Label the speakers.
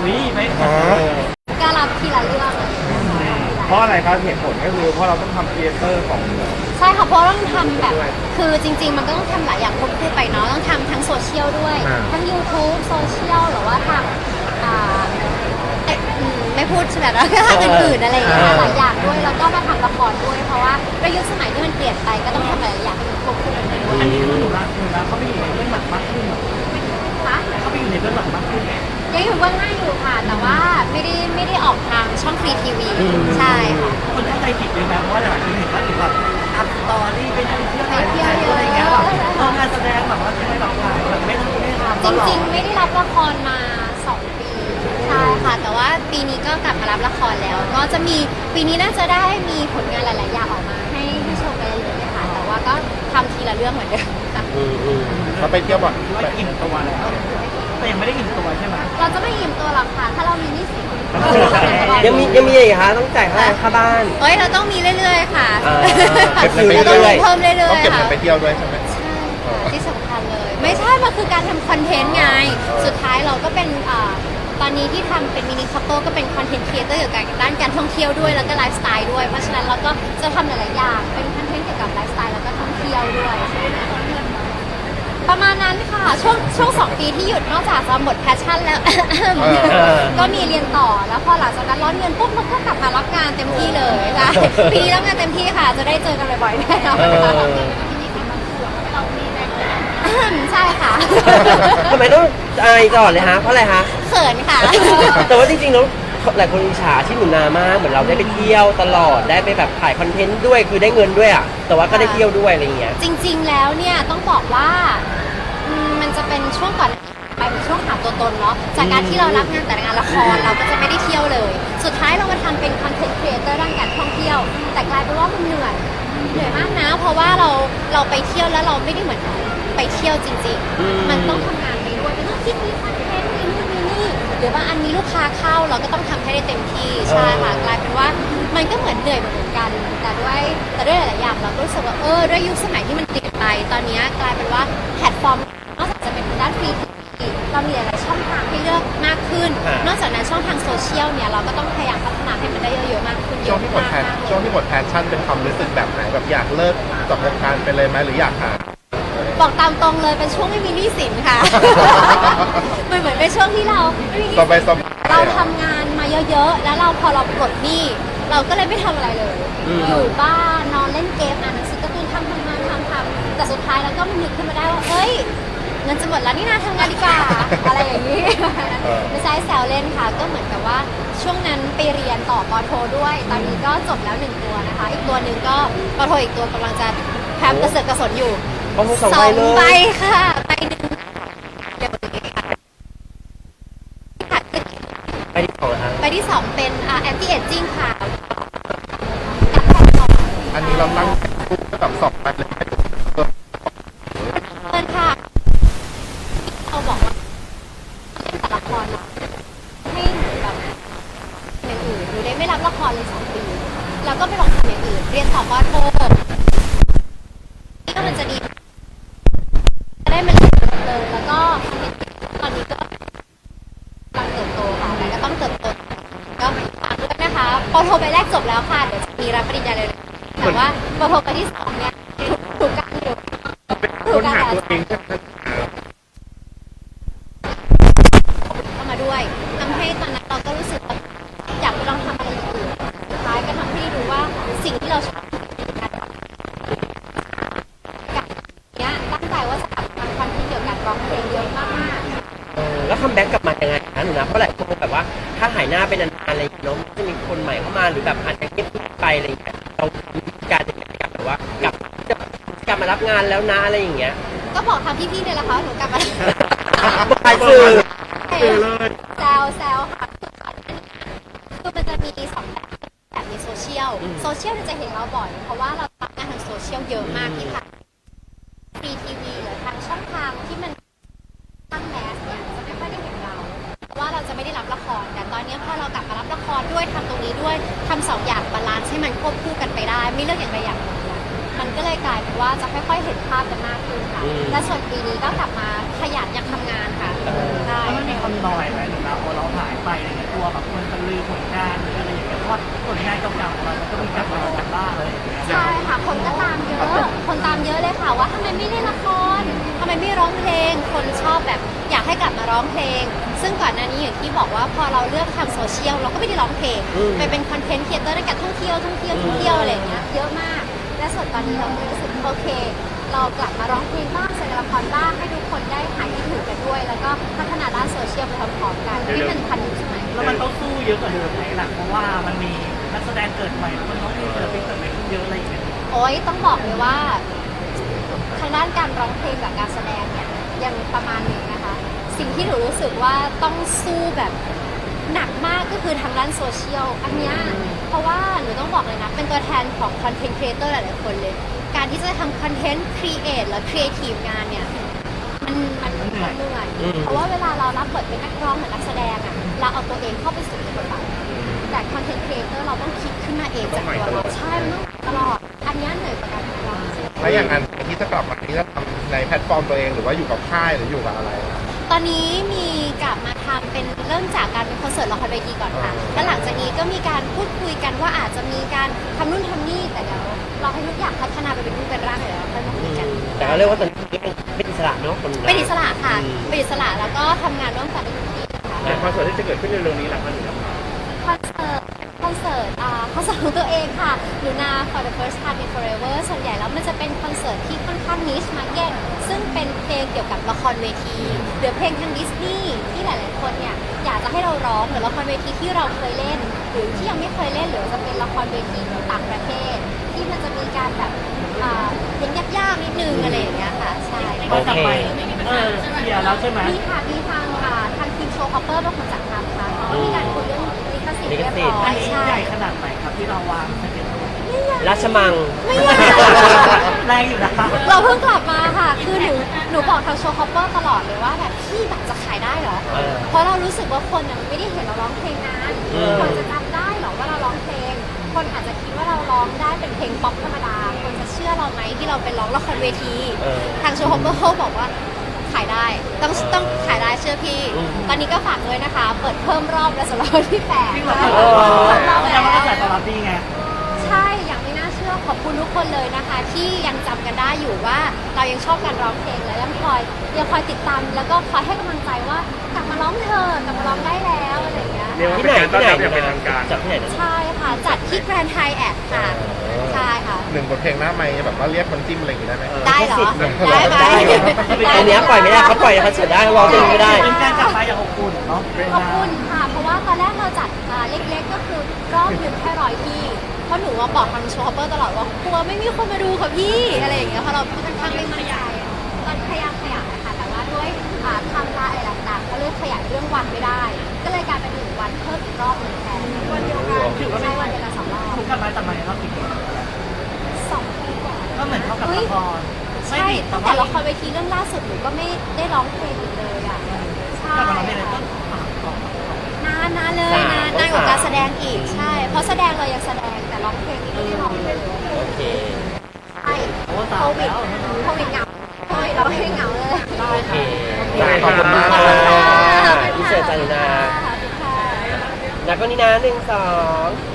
Speaker 1: วิไม่
Speaker 2: ก็รับทีละเรื่อง
Speaker 1: เพราะอะไรครับเหตุผลก็คือเพราะเราต้องทำครีเอเตอร์ของ
Speaker 2: ใช่ค่ะเพราะต้องทำแบบคือจริงๆมันก็ต้องทำหลายอย่างควบคู่ไปเนาะต้องทำทั้งโซเชียลด้วยทั้ง YouTube โซเชียลหรือว่าทางไม่พูดใช่ไหมแล้วก็ทางอื่นๆอะไรอย่างเงี้ยหลายอย่างด้วยแล้วก็มาทำละครด้วยเพราะว่าด้วยยุคสมัยที่มันเปลี่ยนไปก็ต้องทำหลายอย่างให้มันควบคู่กันไปด้วย
Speaker 1: อันนี้คือหนูรักเขาไปอยู่ในเรื่องหลักมากขึ้น
Speaker 2: คะ
Speaker 1: เขาไปอยู่ในเรื่องหลักมากขึ้น
Speaker 2: ยังอยู่เบื้องหน้าอยู่ค่ะแต่ว่าไม่ได้ออกทางช่องฟรีทีวีใช่ค่ะ
Speaker 1: คนเข้าใจผิดเลยนะเพราะว่าหลายคนเห็นว่าถึงแบบอัพสตอรี่ไปเที่ยวอะไรเงี้ยแบบงานแสดงแบบว่าไม่แบบไม่ทำ
Speaker 2: จริงๆไม่ได้รับละครมา2 ปีใช่ค่ะแต่ว่าปีนี้ก็กลับมารับละครแล้วก็จะมีปีนี้น่าจะได้มีผลงานหลายๆอย่างออกมาให้ชมกันเรื่อยๆค่ะแต่ว่าก็ทำทีละเรื่องเหมือนเดิมค่ะ
Speaker 3: เราไปเที่ยวบ่อย
Speaker 1: ว่าอิ่มตัวแล้วแต่ยังไม่ได้อิ่มตัวใช่ไหม
Speaker 2: เราจะไม่ยิ้มตัวหรอกค่ะถ้าเรามีหนี้สิน
Speaker 4: ยังมีอีกคะต้องจ่ายค่าบ้าน
Speaker 2: เฮ้ยเราต้องมีเรื่อยๆค่ะ
Speaker 4: เก็บเงินไป
Speaker 2: เราต้อง
Speaker 4: เรื่อย
Speaker 2: มีเพิ่มเรื่อย
Speaker 3: ต้อง
Speaker 2: ๆ
Speaker 3: เก็บเงิ
Speaker 2: ค่ะ
Speaker 3: นไปเที่ยวด้วยใช่ไหม
Speaker 2: ใช่ค่ะที่สำคัญเลย ไม่ใช่ มันคือการทำคอนเทนต์ไง สุดท้ายเราก็เป็นตอนนี้ที่ทำเป็นมินิคัพเปิลก็เป็นคอนเทนต์ครีเอเตอร์เกี่ยวกับด้านการท่องเที่ยวด้วยแล้วก็ไลฟ์สไตล์ด้วย เพราะฉะนั้นเราก็จะทำหลายๆอย่างเป็นคอนเทนต์เกี่ยวกับไลฟ์สไตล์แล้วก็ท่องเที่ยวด้วยประมาณนั้นค่ะช่วง2 ปีที่หยุดนอกจากจะหมดแพชชั่นแล้ว ก็มีเรียนต่อแล้วพอหลังจากนั้นร้อนเงินปุ๊บเราก็กลับมารับงานเต็มที่เลยค่ะปีนี้รับงานเต็มที่ค่ะจะได้เจอกันบ่อยๆแน่นอนใช่ค่ะ
Speaker 4: ทำไมต้องอายก่อนเลยฮะเพราะอะไรฮะ
Speaker 2: เขินค่ะ
Speaker 4: แต่ว่าจริงๆแล้วหลายคนอิจฉาที่หนูนามากเหมือนเราได้ไปเที่ยวตลอดได้ไปแบบถ่ายคอนเทนต์ด้วยคือได้เงินด้วยอ่ะแต่ว่าก็ได้เที่ยวด้วยอะไรเงี้ย
Speaker 2: จริงๆแล้วเนี่ยต้องบอกว่ามันจะเป็นช่วงก่อนไปเป็นช่วงหาตัวตนเนาะจากการที่เรารับงานแต่งานละครเราก็จะไม่ได้เที่ยวเลย สุดท้ายเรามาทำเป็นคอนเทนต์ครีเอเตอร์ด้านการท่องเที่ยวแต่กลายเป็นว่ามันเหนื่อยมากนะเพราะว่าเราไปเที่ยวแล้วเราไม่ได้เหมือนไปเที่ยวจริงๆมันต้องทำงานไปด้วยมันต้องคิดมีคอนเทนต์มีนู่นมีนี่หรือว่าอันนี้ลูกค้าเข้าเราก็ต้องทำให้ได้เต็มที่ใช่ค่ะกลายเป็นว่ามันก็เหมือนเหนื่อยเหมือนกันแต่ด้วยหลายๆอย่างเราก็รู้สึกว่าด้วยยุคสมัยที่มันเปลี่ยนไปตอนนี้กลายเป็นว่าแพลตฟอร์มนอกจากจะเป็นด้านฟรีเรามีหลายๆช่องทางให้เลือกมากขึ้นนอกจากนั้นช่องทางโซเชียลเนี่ยเราก็ต้องพยายามพัฒนาให้มันได้เยอะๆมากขึ้น
Speaker 3: ช่วงที่หมดแพชชั่นเป็นความรู้สึกแบบไหนแบบอยากเลิกจากวงการไปเลยไหมหรืออยากหา
Speaker 2: บอกตามตรงเลยเป็นช่วงไม่มีหนี้สินค่ะ มันเหมือนเป็นช่วงที่เราไม่มีหนี้
Speaker 3: สบาย
Speaker 2: สินเราทำงานมาเยอะๆแล้วพอเราปลดหนี้เราก็เลยไม่ทำอะไรเลย อยู่บ้านนอนเล่นเกมอ่านหนังสือการ์ตูนทำแต่สุดท้ายเราก็มันนึกขึ้นมาได้ว่าเอ้ยเงินจะหมดแล้วนี่นาทำงานดีกว่า อะไรอย่างนี้ ไม่ใช่แซวเล่นค่ะก็เหมือนกับว่าช่วงนั้นไปเรียนต่อปอโทด้วย ตอนนี้ก็จบแล้ว1 ตัวนะคะอีกตัวหนึ่งก็ปอโทอีกตัวกำลังจะแพมกระเสือกกระสนอยู่
Speaker 4: สอง
Speaker 2: ใบค่ะใบหนึ่งเดี๋ยวนี้ค่ะ
Speaker 4: ไปที่สองฮะ
Speaker 2: ใบที่2เป็นanti aging ค่ะ
Speaker 3: อันนี้เราตั้งคู่กับ2 ไปเลย
Speaker 2: เพื่อนค่ะเขาบอกว่าเล่นแต่ละครนะให้หนูแบบอย่างอื่นหนูได้ไม่รับละครเลย2 ปีแล้วก็ไปลองทำอย่างอื่นเรียนต่อปอโทนี่ก็มันจะดีจะได้มาเรียนเลยแล้วก็ตอนนี้ก็กำลังเติบโตค่ะแต่ก็ต้องเติบโตก็ฝากด้วยนะคะปอโทใบแรกจบแล้วค่ะเดี๋ยวจะมีรับปริญญาเลยแต่ว่าปอโทใบที่2เนี่ยถูกกันอยู่
Speaker 1: ค้นหาตัวเอง
Speaker 2: เข้ามาด้วยทำให้ตอนนั้นเราก็รู้สึกว่าอยากไปลองทำอะไรอย่างอื่นสุดท้ายก็ทำให้รู้ว่าสิ่งที่เราชอบกับเนี้ยตั้งใจว่าจะทำคอนเทนต์เกี่ยวกับร้องเพลงเยอะมากๆ
Speaker 4: แล้วคัมแบ็กกลับมายังไงนะหนูนะเพราะหลายคนแบบว่าถ้าหายหน้าไปนานๆอะไรอย่างเงี้ยเนาะจะมีคนใหม่เข้ามาหรือแบบอาจจะเงียบไปอะไรอย่างเงี้ยเรามีการจะแบบว่ากลับมารับงานแล้วนะอะไรอย่างเงี้ย
Speaker 2: ก็บอกทางพี่ๆเนี่ยแหละค่ะหนูกลับมา
Speaker 4: ไปสื่อ
Speaker 2: แซวค่ะคือมันจะมี2 แบบในโซเชียลเนี่ยจะเห็นเราบ่อยเพราะว่าเราทำงานทางโซเชียลเยอะมากที่ทางฟรีทีวีหรือทางช่องทางที่มันตั้งแมสเนี่ยจะไม่ค่อยได้เห็นเราเพราะว่าเราจะไม่ได้รับละครแต่ตอนนี้พอเรากลับมารับละครด้วยทำตรงนี้ด้วยทำ2 อย่างบาลานซ์ให้มันควบคู่กันไปได้ไม่เลือกอย่างใดอย่างหนึ่งมันก็เลยกลายเป็นว่าจะค่อยๆเห็นภาพกันมากขึ้นค่ะและส่วนปีนี้ก็กลับมาขยันอยากทำงานค่ะได้
Speaker 1: แล้วมันมีคำหน่อยไหมหรือนะพอเราหายไปว่าผลงานเก่าๆของเรามันก็มีกลับมาจากบ้านเลย
Speaker 2: ใช่ค่ะคนก็ตามเยอะคนตามเยอะเลยค่ะว่าทำไมไม่เล่นละครทำไมไม่ร้องเพลงคนชอบแบบอยากให้กลับมาร้องเพลง ซึ่งก่อนหน้านี้อย่างที่บอกว่าพอเราเลือกทำโซเชียลเราก็ไม่ได้ร้องเพลงไปเป็นคอนเทนต์ครีเอเตอร์ในการท่องเที่ยวอะไรอย่างเงี้ยเยอะมากและส่วนตอนนี้เราก็รู้สึกโอเค เรากลับมาร้องเพลงบ้างแสดงละครบ้างให้ทุกคนได้หายคิดถึงกันด้วย แล้วก็พัฒนาด้านโซเชียลไปพร้อมๆกันที่มันทันยุคสมัย
Speaker 1: แล้วมันต้องสู้เยอะกว่าเดิมไหมล่ะเพราะว่ามันมีนักแสดงเกิดใหม่คนน้องมีเกิดเป็นเกิดใหม่ขึ้นเยอะอะไรอย่างเงี้ย
Speaker 2: โอ้ยต้องบอกเลยว่าทางด้านการร้องเพลงกับการแสดงเนี่ยยังประมาณหนึ่งนะคะ สิ่งที่หนูรู้สึกว่าต้องสู้แบบหนักมากก็คือทางด้านโซเชียลอันเนี้ยเพราะว่าหนูต้องบอกเลยนะเป็นตัวแทนของคอนเทนต์ครีเอเตอร์หลายๆคนเลย การที่จะทำคอนเทนต์ครีเอทและครีเอทีฟงานเนี่ยมันเหนื่อยเพราะว่าเวลาเรารับบทเป็นนักร้องหรือนักแสดงอ่ะเราเอาตัวเองเข้าไปสู่ในบทบาทแต่คอนเทนต์ครีเอเตอร์เราต้องคิดขึ้นมาเองจากตัวเราใช่มันต้องตลอดอันเนี้ยเหนื่อยกว่าการทำงาน
Speaker 3: แล้วอย่างนั้นที่จะกลับมาที่จะทำในแพลตฟอร์มตัวเองหรือว่าอยู่กับค่ายหรืออยู่กับอะไร
Speaker 2: ตอนนี้มีกลับมาทำเป็นเริ่มจากการเป็นคอนเสิร์ตละครเวทีก่อนค่ะ แล้วหลังจากนี้ก็มีการพูดคุยกันว่าอาจจะมีการทำนู่นทำนี่แต่เดี๋ยวเราให้ทุกอย่างพัฒนาไปเป็นรูปเป็นร่างเดี๋ยวเราค่อยมาคุยกัน
Speaker 4: แต่ก็เรียกว่าตอนนี้เป็นอิสระเนาะคน
Speaker 2: เป็นอิสระค่ะเป็นอิสระแล้วก็ทำงานร่วมกันได้ทุกที่ค่ะ
Speaker 3: ในคอนเสิร์ตที่จะเกิดขึ้นเร็วๆนี้หลังมันถึง
Speaker 2: คอนเสิร์ตของตัวเองค่ะหนูนา for the first time in forever ส่วนใหญ่แล้วมันจะเป็นคอนเสิร์ตที่ค่อนข้าง niche market ซึ่งเป็นเพลงเกี่ยวกับละครเวทีหรือเพลงทางดิสนีย์ที่หลายๆคนเนี่ยอยากจะให้เราร้องหรือละครเวทีที่เราเคยเล่น หรือที่ยังไม่เคยเล่นหรือจะเป็นละครเวทีของต่างประเทศ ที่มันจะมีการแบบเพลงยากๆนิดนึงอะไรอย่างเงี้ยค่ะใช่
Speaker 1: ก็จะไปเคลียร์แล้วใช่ไหม
Speaker 2: มีค่ะมีทางทีมโชว์คอปเปอร์เป็นคนจัดทำค่ะเขามีการคุยเรื่องลิขสิทธิ์เรียบร้อ
Speaker 1: อัน
Speaker 2: ย
Speaker 1: นี้
Speaker 2: ใช่
Speaker 1: ใหญ่ขนาดไหนครับที่เราวางสเก็ตตัว
Speaker 4: ราชมัง
Speaker 2: ไม่ใหญ่
Speaker 1: แรงอยู่นะ
Speaker 2: เราเพิ่งกลับมาค่ะ คือหนูบอกทางโชว์คอปเปอร์ตลอดเลยว่าแบบพี่แบบจะขายได้เหรอ เพราะเรารู้สึกว่าคนไม่ได้เห็นเราร้องเพลงนานคนจะจำได้เหรอว่าเราร้องเพลง คนอาจจะคิดว่าเราร้องได้เป็นเพลงป๊อปธรรมดา คนจะเชื่อเราไหมที่เราไปร้องละครเวที ทางโชว์คอปเปอร์เขาบอกว่าขายได้ต้องขายได้เชื่อพี่ ตอนนี้ก็ฝากด้วยนะคะ เปิดเพิ่มรอบแล้วสำหรับวันที่8
Speaker 1: ที่เรา
Speaker 2: ค่ะ
Speaker 1: แล้วมันก็จ่ายตลอดดีไง
Speaker 2: ใช่อย่างไม่น่าเชื่อขอบคุณทุกคนเลยนะคะ ที่ยังจำกันได้อยู่ว่าเรายังชอบการร้องเพลงและยังคอยติดตามแล้วก็คอยให้กำลังใจว่ากลับมาร้องเถอะกลับมาร้องได้แล้วอะไรอย่างเงี้ย
Speaker 4: ที่ไหนจัดที่ไหนนะ
Speaker 2: ใช่ค่ะจัดที่แกรนด์ไฮแอทค่ะใช่ค่ะ
Speaker 3: หนึ่งบทเพลงหน้าไมค์แบบว่าเรียกคนจิ้มอะไรอย่างงี้ได้ไหม
Speaker 2: ได้เหรอ
Speaker 4: ได้ไหมอันเนี้ยปล่อยไม่ได้เขาปล่อยเขาเสียได้เขาร้องเพลงไม่ได้
Speaker 1: เป็นการกลับมาอย่างอบอุ่นเนาะ
Speaker 2: ขอบคุณค่ะ เพราะว่าตอนแรกเราจัดเล็กๆก็คือรอบหนึ่งแค่100ที่เพราะหนูว่าบอกทางโชว์คอปเปอร์ตลอดว่ากลัวไม่มีคนมาดูค่ะพี่อะไรอย่างเงี้ยเพราะเราค่อนข้างไม่มั่นใจตอนพยายามขยายนะคะแต่ว่าด้วยไทำลายอะไรต่างๆเขาเลยขยายเรื่องวันไม่ได้ ก็เลยกลายเป็น1 วันเพิ่มอีกรอบหนึ่งแทนวันเดียวกันถือว่าใช่วันเดียวกัน2 รอบ
Speaker 1: ทุกกลับมาแต่มาในรอบกี่ปี
Speaker 2: 2 ปีกว่า
Speaker 1: ก็เหมือนเท่ากับละคร
Speaker 2: ใช่ตั้งแต่ละครเวทีเรื่องล่าสุดหนูก็ไม่ได้ร้องเพลงอีกเลยอ่ะใช่
Speaker 1: กลับมาร้องเพลงเลยก็
Speaker 2: นานเลยนานกว่าการแสดงอีกใช่ เพราะแสดงเรายังแสดงแต่ร้องเพลงนี่ไม่ได้ร้องเลย
Speaker 4: โอเค
Speaker 2: ใช่โควิดเหงาโควิดเราไม่เหงาเลย
Speaker 4: โอเค
Speaker 3: ขอบคุณมาก
Speaker 2: ขอบคุณค่ะ
Speaker 4: อินเสิร์ตจารุณา
Speaker 2: ขอบคุณค่ะ
Speaker 4: แล้วก็นี่นะ1 2